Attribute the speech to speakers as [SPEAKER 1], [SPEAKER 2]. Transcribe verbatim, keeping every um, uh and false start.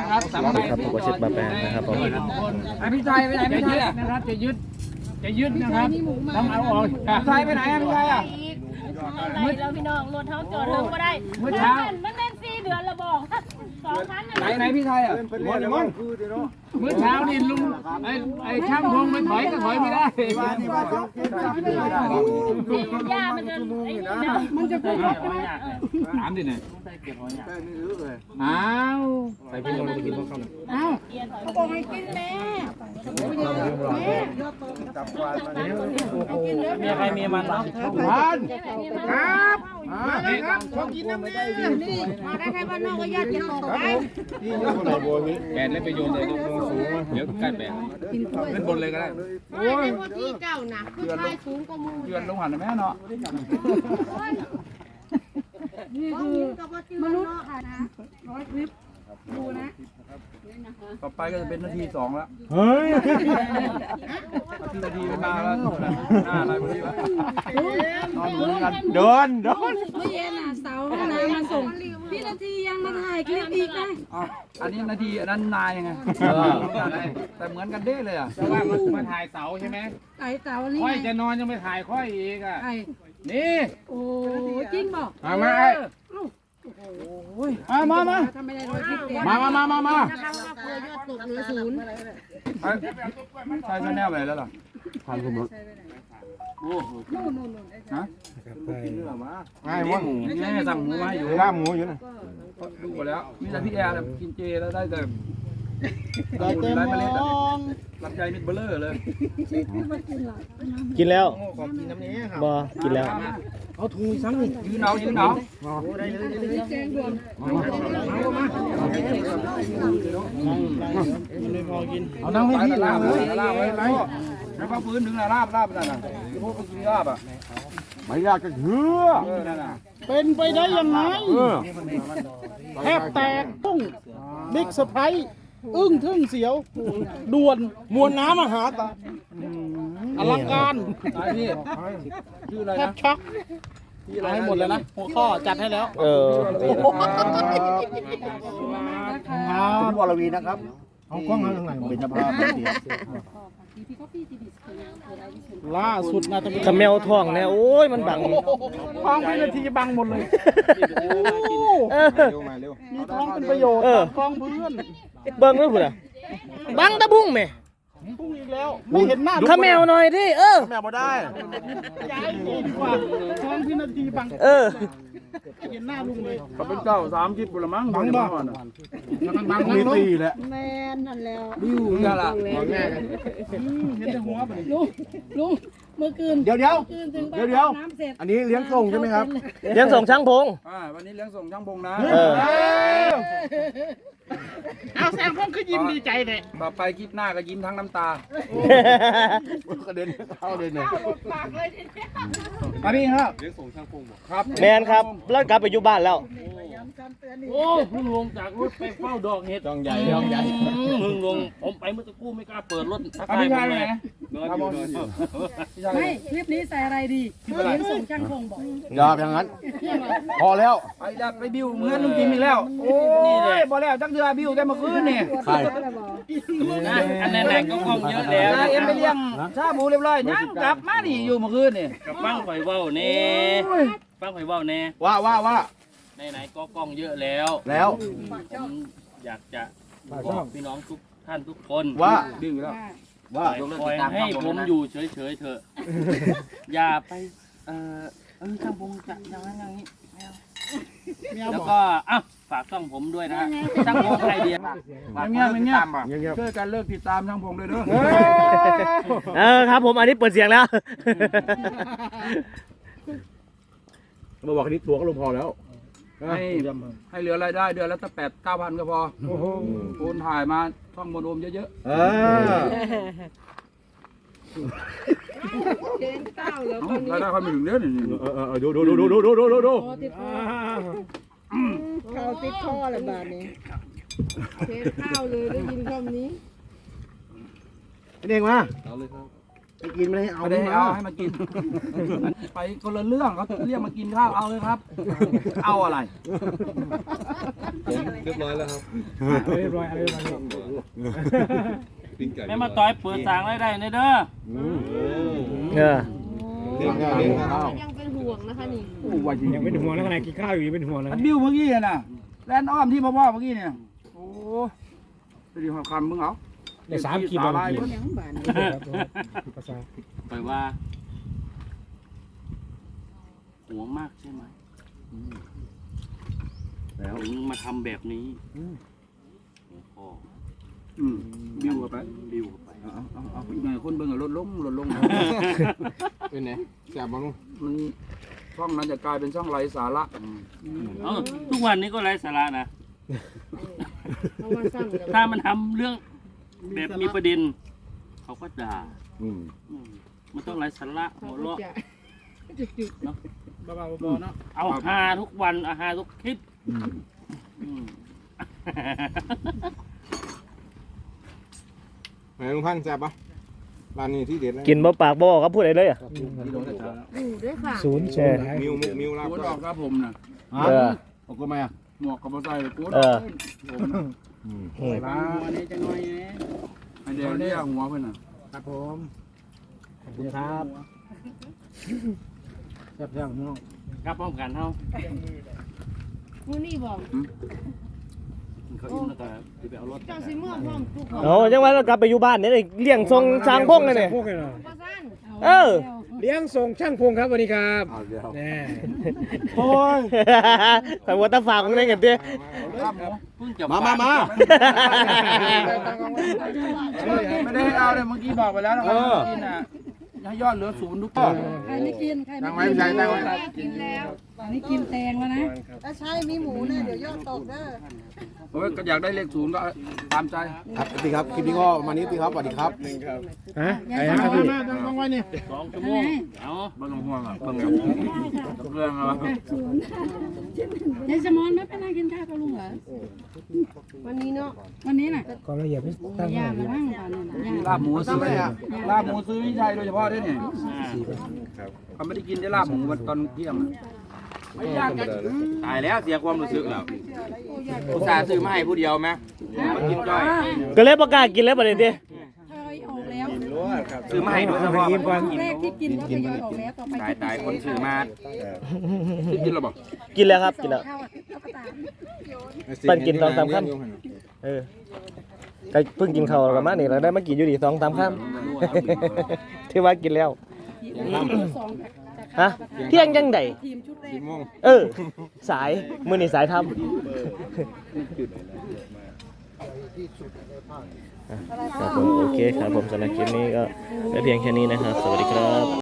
[SPEAKER 1] นะครับสำหรับครับผมเช็ดบาแปนนะครับผมไอพี่ชายไปไหนพี่ชายนะครับจะยึดจะยึดนะครับต้องเอาออกพี่ชายไปไหนพี่ชายอ่ะ
[SPEAKER 2] อะไรเราพี่น้องรถเท้าจอดเทิงก็ได้เมื่อเช้ามันเล่นสี่เดือนละบอกสองพันไหน
[SPEAKER 1] ไหนพี่ชายอ่ะเมื่อเช้านี่ลุงไอ้ไอ้ช่างพงมันถอยก็ถอยไม่ได้
[SPEAKER 2] ย่ามันจะมันจะพูด
[SPEAKER 1] ถามดิเนี่ยอ้าวใส่พี่ลงไปกินข้าวข้าวอ้าว
[SPEAKER 2] เขาบอกให้กินแม่แม่
[SPEAKER 1] จับวานมาเนี่ยมีใครมีมันบ้างทานครับมาเลยครับขอกินน้ำแม่
[SPEAKER 2] นี่มาได้ใครบ้านนอกก็ญาติจะบอกได้
[SPEAKER 1] ที่ยอดอะไรบัวนี้แบนเล่นไปโยนเลยต้องสูงเดี๋ยวใกล้แบนเล่นบนเลยก็ได้
[SPEAKER 2] โอ้ยที่เจ้านะคือชายสูงกว่ามู
[SPEAKER 1] เยือนลงหันแม่เนาะ
[SPEAKER 2] นี่คือมนุษย์ค่ะนะร้อยคลิปดูนะ
[SPEAKER 1] ต่อไปก็จะเป็นนาทีสองแล้วเฮ้ยนาทีเป็นมาแล้วหน้าอะไรพอดีวะนอนเหมือนกันเดินเดิน
[SPEAKER 2] เมื่อเย็นน่ะเสาห้องน้ำมาส่งพี่นาทียังมาถ่ายคลิปอีกนะ
[SPEAKER 1] อันนี้นาทีอันนั้นนายยังไงแต่เหมือนกันเด้เลยอ่ะ
[SPEAKER 3] แต่ว่ามันมาถ่ายเสาใช่ไหม
[SPEAKER 2] ถ่ายเสานี่
[SPEAKER 3] ค่อยจะนอนยังไม่ถ่ายค่อยอีกอ่ะนี่
[SPEAKER 2] โอ้จริงบอก
[SPEAKER 3] มามาไอ้
[SPEAKER 1] มามามามามามามา
[SPEAKER 2] นะคะว่าเพื่อยอดตกเหลือศูนย์
[SPEAKER 1] ใช่ชาแนลไปแล้วหรอทานคุณมั้งโอ้โหฮะง่ายมั้งง่ายสั่งหมูมาอยู่ล่าหมูอยู่นะดูหมดแล้วมีแต่พี่แอร์กินเจแล้วได้แต่ได้เต็มเมล็ดอ่ะลำไยมิดเบลเลอร์เลย
[SPEAKER 4] กินแล้ว
[SPEAKER 1] ขอกินน้ำนี้ครับ
[SPEAKER 4] บ่กินแล้ว
[SPEAKER 1] เอาถุงซ้ำนี่ยืนเอายืนเอาได้เลยได้เลยแจ้งด่วนมามาไม่พอกินเอานั่งให้พี่ลาบเลยลาบไว้ไหมแล้วก็พื้นถึงลาบลาบนั่นน่ะพวกไปกินลาบอ่ะไม่ยากก็เหือ
[SPEAKER 3] เป็นไปได้ยังไงแทบแตกตุ้งบิ๊กเซอร์ไพรส์อึ้งทึ่งเสียวด่วนมวลน้ำมหาตาอลังการ
[SPEAKER 1] พี่ชื่ออะไร
[SPEAKER 3] นะแทบช็อกเอาให้หมดเลยนะหัวข้อจัดให้แล้ว
[SPEAKER 4] เออ
[SPEAKER 1] คุณวรวีนะครับเอากล้องมาทางไหนเป็นภาพ
[SPEAKER 3] ล่าสุดนะจะเป็น
[SPEAKER 4] ขมแมวทองเนี่ยโอ้ยมันบัง
[SPEAKER 3] ท้องเป็นนาทีบังหมดเลยมีท้องเป็นประโยชน์กล้องเพื่อน
[SPEAKER 4] เบิ้งด้วยพุ่นอ่ะบังตะบุ้งแม่
[SPEAKER 3] พุ่งอีกแล้วไม่เห็นหน้า
[SPEAKER 4] ขมแมวหน่อยดิเออ
[SPEAKER 1] ขมแมวบ่ได้
[SPEAKER 3] ย้ายดีกว่าท้องเป็นนาทีบัง
[SPEAKER 4] เออ
[SPEAKER 3] เห็นหน้าลุงเลย
[SPEAKER 1] เขาเป็นเจ้าสามคิดบุรมัง
[SPEAKER 3] บังบ้า
[SPEAKER 1] บังมีตีแหละ
[SPEAKER 2] แมนนั่นแล้ว
[SPEAKER 1] บิวนี่ละ
[SPEAKER 3] เห็นแต่หัวไป
[SPEAKER 2] ลุงลุงเมื่อคืน
[SPEAKER 1] เดี๋ยวเดี๋ยวเดี๋ยวเดี๋ยวอันนี้เลี้ยงส่งใช่ไหมครับ
[SPEAKER 4] เลี้ยงส่งช่างพง
[SPEAKER 1] อ่าวันนี้เลี้ยงส่งช่างพงนะ
[SPEAKER 3] เอาแซมพงคือยิ้มดีใจเลย
[SPEAKER 1] ต่อไปคลิปหน้าก็ยิ้มทั้งน้ำตากระเด็นเข้าเด่นเลยมาพี่ครับเลี้ยงส่งช่างพงครับ
[SPEAKER 4] แมนครับแล้วกลับไปอยู่บ้านแล้ว
[SPEAKER 3] โอ้พึ่งลงจากรถไปเฝ้าดอกเห็ด
[SPEAKER 1] ดองใหญ่ดองใหญ่
[SPEAKER 3] พึ่งลงผมไปเมื่อสักครู่ไม่กล้าเปิดรถทัก
[SPEAKER 1] ทายไปไหน
[SPEAKER 2] ไม่คลิปนี้ใส่อะไรดีเลี้ยงส่งช่างพงบอก
[SPEAKER 1] อย่าอย่างนั้นพอแล้วไปดับไปบิวเหมือนลุงจิมอีกแล้วโอ้ยพอแล้วจังเดือบิวได้เมื่อคืนนี่ใช่
[SPEAKER 3] อันนั้นแหละก็คงเยอะแล้ว
[SPEAKER 1] เอ็มไปเลี้ยงชาบูเรียบร้อยยังกลับมานี่อยู่เมื่อคืนนี่
[SPEAKER 3] กับฟังไฟว่าวเน่ฟังไฟว่าวเน่
[SPEAKER 1] ว่าว่าว่า
[SPEAKER 3] ในไหนก็กล้องเยอะแล้ว
[SPEAKER 1] แล้ว
[SPEAKER 3] ผมอยากจะบอกพี่น้องทุกท่านทุกคน
[SPEAKER 1] ว่าดื้อแล้วว่า
[SPEAKER 3] ปล่อยให้ผมอยู่เฉยๆเถอะอย่าไปเออเออช่างผมจะอย่างนั้นอย่างนี้แล้วก็อ่ะฝากช่องผมด้วยนะช่างผมไอเดีย
[SPEAKER 1] เงี้ยเงี้ยช่วยกันเลิกติดตามช่างผมเลยเด้อ
[SPEAKER 4] เออครับผมอันนี้เปิดเสียงแล้ว
[SPEAKER 1] มาบอกนี้ตัวก็ลงพอแล้วให้ให้เหลือรายได้เดือนละตั้งแปดเก้าพันก็พอโอนถ่ายมาท่องมโนมเยอะๆ
[SPEAKER 2] เดินเต้าแล้ว
[SPEAKER 1] ตอนนี้รายได้เขาไม่ถึงเดือนนี่
[SPEAKER 4] ดูดูดูดูดูดูดูดูดู
[SPEAKER 2] เขาติดคออะไรแบบนี้เทข้าวเลยได้ยินคำนี้
[SPEAKER 1] เองมาเอาเลยครับ
[SPEAKER 3] ไปกินไม่ได้เอา
[SPEAKER 1] ไม่ได้เอาให้มากิน ไปคนละเรื่องเขาเรียกมากินข้าวเอาเลยครับ เอาอะไร
[SPEAKER 5] เรียบร้อยแล้วครับ
[SPEAKER 3] เรียบร้อยเรียบร้อย
[SPEAKER 5] ปิ้งไก่
[SPEAKER 6] แม่มาต่อยเปิดสางได้ได้เด้อ
[SPEAKER 4] เออ
[SPEAKER 5] เลี้ยงข้าวเลี้ยงข้าว
[SPEAKER 2] ยังเป็นห่วงนะคะนี่
[SPEAKER 1] โอ้ยจริง
[SPEAKER 3] ยังเป็นห่วงแล้วขนาดกินข้าวอยู่ยังเป็นห่วงเลย
[SPEAKER 1] อันบิ้วเมื่อกี้น่ะแลนอ้อมที่พ่อพ่อเมื่อกี้เนี่ยโอ้ไปดีความคำมึงเอา
[SPEAKER 3] ในสามขีด
[SPEAKER 1] สา
[SPEAKER 3] บา
[SPEAKER 1] ลาย
[SPEAKER 3] ท
[SPEAKER 1] เพิ่น
[SPEAKER 3] ภาษา
[SPEAKER 6] ไปว่าห่วงมากใช่ไหมแล้วถึงมาทำแบบนี้พ่อ
[SPEAKER 1] อืมบิ้วเข้าไป
[SPEAKER 6] บิวเข้าไป
[SPEAKER 1] เอาเอาเอาอีกหน่อยคนเบิ่งอะลดลงลดลง
[SPEAKER 5] เป็นไงแซ่บบ้าง
[SPEAKER 1] มันช่องนั้นจะกลายเป็นช่องไร้สาระ
[SPEAKER 6] เอ้าทุกวันนี้ก็ไร้สาระนะ ถ้ามันทำเรื่องแบบมีประเด็น เขาก็ด่า
[SPEAKER 5] อืม
[SPEAKER 6] อืมมันต้องไร้สาระหัวเราะ
[SPEAKER 3] บ้าๆเนาะ
[SPEAKER 6] เอาฮาทุกวันเอาฮาทุกคลิปอืม
[SPEAKER 5] ไหนลุงพันธุ์แซ่บปะร้านนี้ที่เด็ดเลย
[SPEAKER 4] กินบ่ปากบ่ครับพูดอะไรเลยอ่ะ
[SPEAKER 3] ศูนย์ศูนย์
[SPEAKER 5] มิวมุกมิวลาบ
[SPEAKER 1] โคตรออกครับผมนะ
[SPEAKER 4] เออ
[SPEAKER 3] ออกก็มาอ่ะ
[SPEAKER 1] หมวกกับมอไซค์เลยโคตร
[SPEAKER 4] เอ
[SPEAKER 1] อ
[SPEAKER 4] อ
[SPEAKER 1] อกผมนะ
[SPEAKER 5] อืม
[SPEAKER 4] อืม
[SPEAKER 1] ร้านนี้จะน้อยไอเดียวเรียกหัวเพื่อนน่ะ
[SPEAKER 3] ครับผมขอบคุณครับแซ่บแซ่บน้อง
[SPEAKER 6] ครับพร้อมกันเท่า
[SPEAKER 2] มูนี่บอก
[SPEAKER 6] เขาอิ่มแล้วก็จะไปเอารถ
[SPEAKER 2] เจ้าสิเมื่อพร้อมทุกคน
[SPEAKER 4] โอ้ยังว่าเรากลับไปอยู่บ้านเนี่ยเลี้ยงทรงช้างพงเลยเนี่ย
[SPEAKER 3] พวกเลยเหรอ
[SPEAKER 2] ว่าสั้น
[SPEAKER 4] เออ
[SPEAKER 3] เลี้ยงส่งช่างพงครับสวัสดีครับ
[SPEAKER 5] เอาเดี๋ยว
[SPEAKER 3] แน่
[SPEAKER 1] โอ้ย
[SPEAKER 4] แต่ว่าตาฝากมึงได้เงินเตี้ย
[SPEAKER 1] ครับหมู
[SPEAKER 6] เพิ่งจะ
[SPEAKER 5] มามามา
[SPEAKER 1] ไม่ได้ให้เอาเลยเมื่อกี้บอกไปแล้วนะว่ากินน่ะให้ยอดเหลือศูนย์ทุกคน
[SPEAKER 7] ใครไม่กิน ใคร
[SPEAKER 5] นั่
[SPEAKER 7] ไม่
[SPEAKER 5] งไว้
[SPEAKER 7] กิน
[SPEAKER 5] พี่ชายนั่งไว้
[SPEAKER 2] กินแล้ว
[SPEAKER 7] ตอนนี้กินแตงแล้วนะ
[SPEAKER 8] ถ้าใช่มีหมูเนี่ยเดี๋ยวยอดตกเด้อ
[SPEAKER 1] โอ้ยก็อยากได้เลขศูนย์ก็ตามใจ
[SPEAKER 5] ครับพี่ครับคลิปนี้ก็มานี้พี่ครับสวัสดีครับ
[SPEAKER 3] ฮะไอ้ฮะพี่มาต้องไว้นี่
[SPEAKER 6] สองชั่วโมงเอา
[SPEAKER 1] บ้านลงห่วงอ่ะเพิ่งกับเรื่องอะไร
[SPEAKER 7] ยายสมอนไม่เป็นไรกินข้าวกับลุงเหรอ
[SPEAKER 8] วันนี้เนาะ
[SPEAKER 7] วันนี้น่ะ
[SPEAKER 3] ความละเอียดไม่ตั้ง
[SPEAKER 7] ย่ามาบ้างตอนนี้น่ะย่า
[SPEAKER 1] ลาบหมูซื้อลาบหมูซื้อวิชัยโดยเฉพาะด้วยเนี่ย
[SPEAKER 6] อ่า
[SPEAKER 1] เขาไม่ได้กินได้ลาบหมูวันตอนเที่ยงไม่ยากกันตายแล้วเสียความรู้สึกแล้วอุตส่าห์ซื้อมาให้ผู้เดียวไหมมากินจ้อย
[SPEAKER 4] ก็เลยประกล้าศกินแล้วประเด็นเตี้ย
[SPEAKER 7] ทยอยออกแล้ว
[SPEAKER 1] ซื้อมาให้โดยเฉพาะ
[SPEAKER 7] ครั้งแรกที่กินก็ทยอยออกแล้วต่อไป
[SPEAKER 1] ตายตายคนซื้อมากินหรอบอก
[SPEAKER 4] กินแล้วครับกินแล้ว
[SPEAKER 7] ข้าวอ่ะก็ตาม
[SPEAKER 4] ปั่นกินตอนสามค่ำ เออก็เพิ่งกินข้าวกันมานี่เราได้มากินอยู่ดีสองสามค่ำ ที่ว่ากินแล้ว
[SPEAKER 7] สองจาก
[SPEAKER 4] ฮะเที่ยงยังได
[SPEAKER 7] ทีมชุดแรก
[SPEAKER 4] เออ สายมือนี่สายทำครับผมโอเคครับผมสำหรับคลิปนี้ก็ได้เพียงแค่นี้นะครับ สวัสดีครับ